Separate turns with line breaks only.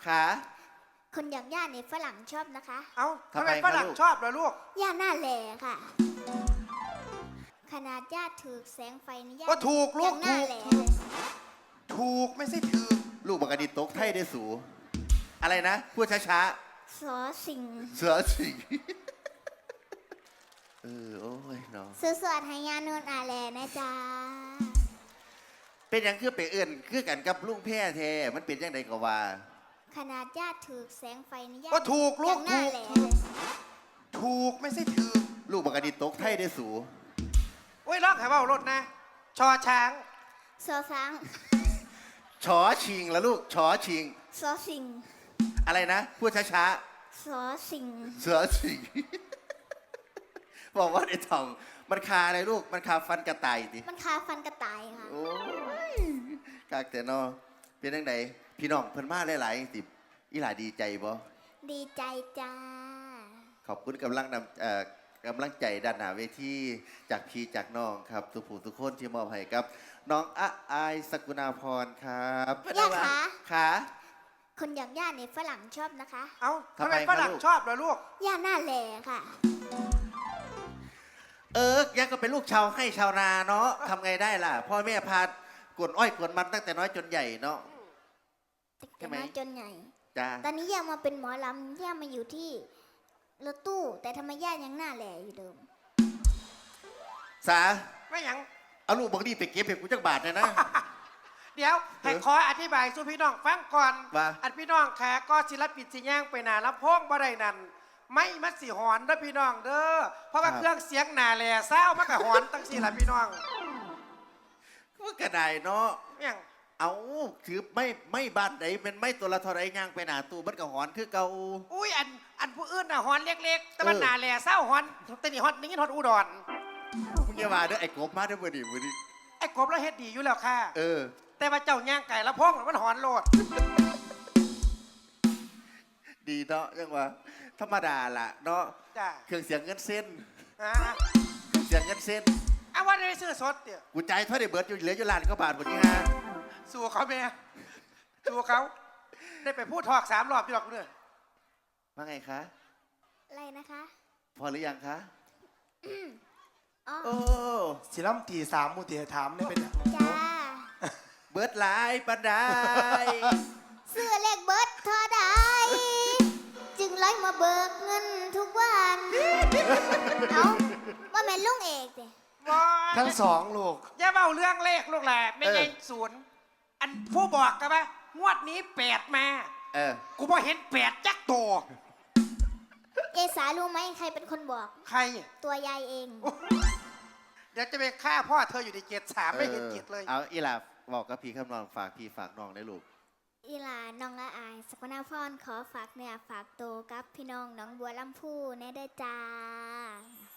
ขา
คนอย่างย่าในฝรั่งชอบนะคะ
เอ้าทำไมฝรั่งชอบล่ะลูก
ย่าหน้าแหล่ค่ะขนาดย่าถือแสงไฟนี่ย่า
ก็ถูกลูก
หน้าแหล่
ถูกไม่ใช่ถือ
ลูกบักกะดิตกไทยได้สูอะไรนะพูดช้า
สอสิง
ๆเสือสิงโอ้ยน้อง
สวดให้ยานุนอาแลนะจ๊ะ
เป็นอย่างคือไปเอื่นคือกันกับลุงแพ้แท้มันเป็นยังไงก็ว่า
ขนาดญาติถือแสงไฟนี่
ก็ถูกลูกถูกไม่ใช่ถือ
ลูกบักกะดิตกไทยได้สู
โอ้ยร้องหาว่ารถนะชอช้าง
สอช้าง
ชอชิงแล้วลูกชอชิง
สอสิง
อะไรนะพูดช้า
ๆสอสิง
เสือสิงบอกว่าไอ้ทองมันคาอะไรลูกมันคาฟันกระต่ายดิ
มันคาฟันกระต่ายค่ะ
โอ้ยกากแต่นอเป็นยังไงพี่น้องเพิ่นมาหลายๆติอีหลาดีใจบ่
ดีใจจ้า
ขอบคุณกำลังใจด้านหน้าเวทีจากพี่จากน้องครับทุกผู้ทุกคนที่มอบให้กับน้องอายสกุณาพรครับ
ย่าขา
ขา
คนอย่างย่าในฝรั่งชอบนะคะ
เอ้าทำไมฝรั่งชอบล่ะลูก
ย่าหน้าแหล่ค่ะ
ยังก็เป็นลูกชาวให้ชาวนาเนาะทำไงได้ล่ะพ่อแม่พากวนอ้อยกวนมันตั้งแต่น้อยจนใหญ่เนาะ
ตั้งแต่น้อยจนใหญ่
จ้า
ตอนนี้ย่ามาเป็นหมอลำย่ามาอยู่ที่รถตู้แต่ทำไมย่ายังหน้าแหล่อยู่เดิม
สา
ไม่ยัง
เอาลูกบังดีไปเก็บเห็ดกูจักบาทเลยนะ
เดี๋ยวให้ขออธิบายสู่พี่น้องฟังก่อน
ว่า
อันพี่น้องแขกก็ศิลปินสิย่างไปหนาลำโพงบ่ได้นั่นไม่มัดสีหอนนะพี่น้องเด้อเพราะว่าเครื่องเสียงหนาแหล่เศร้ามันก็หอนตั้งสี่ละพี่น้อง
มันกระไดเนาะ
ยัง
เอาถือไม่บ้านไหนเป็นไม่ตัวละเท่าไรย่างไปหนาตู้มันก็หอนคือเก่า
อุ้ยอันผู้อื่นน่ะหอนเล็กๆแต่มันหนาแหล่เศร้าหอนแต่นี่หอนนี่หอนอุดร
มึงอย่ามาเด้อไอ้กบมาเด้อมือดี
ไอ้กบแล้วเฮ็ดดีอยู่แล้วค่ะแต่ว่าเจ้าย่างไก่ละพงมันหอนโลด
ดีเนาะยังว่าธรรมดาล่ะเนาะเครื่องเสียงเงินเส้นเครื่องเสียงเงินเส้น
เอาว่าได้ซื้อสดเดี๋ยว
กูใจเท่าได้เบิร์ดอยู่เหลืออยู่ล้านก็บาทหมดนี่ฮะ
สู้เขาแม่สู้เขาได้ไปพูดทอก3 รอบที่หรอกเนี่ย
ว่าไงคะ
อะไรนะคะ
พอหรือยังคะ
โอ้สิล้ำตี3มูตีถามเนี่ยเป็น
จ้า
เบิร์ดหลายปันได
เสื้อเล็กเบิร์ดเท่าใดจึงไล่มาเบิกเงินทุกวันเอาว่าแม่ลุงเอกสิ
ทั้งสองลูกอย่าเบาเรื่องเลขลูกแหละไม่ใช่0อันผู้บอกกันไหมงวดนี้8มากูพอเห็น8จักตัว
เอสารู้ไหมใครเป็นคนบอก
ใคร
ตัวยายเอง
เดี๋ยวจะไปฆ่าพ่อเธออยู่ในเกต3ไม่เห็นเกตเลย
เอาอีหลาบอกกับพี่คำนองฝากพี่ฝากน้องได้ลูก
อีหลาน้องละอายสกุณาพรขอฝากเนี่ยฝากโตกับพี่น้องน้องบัวลำพูแน่ได้จ้า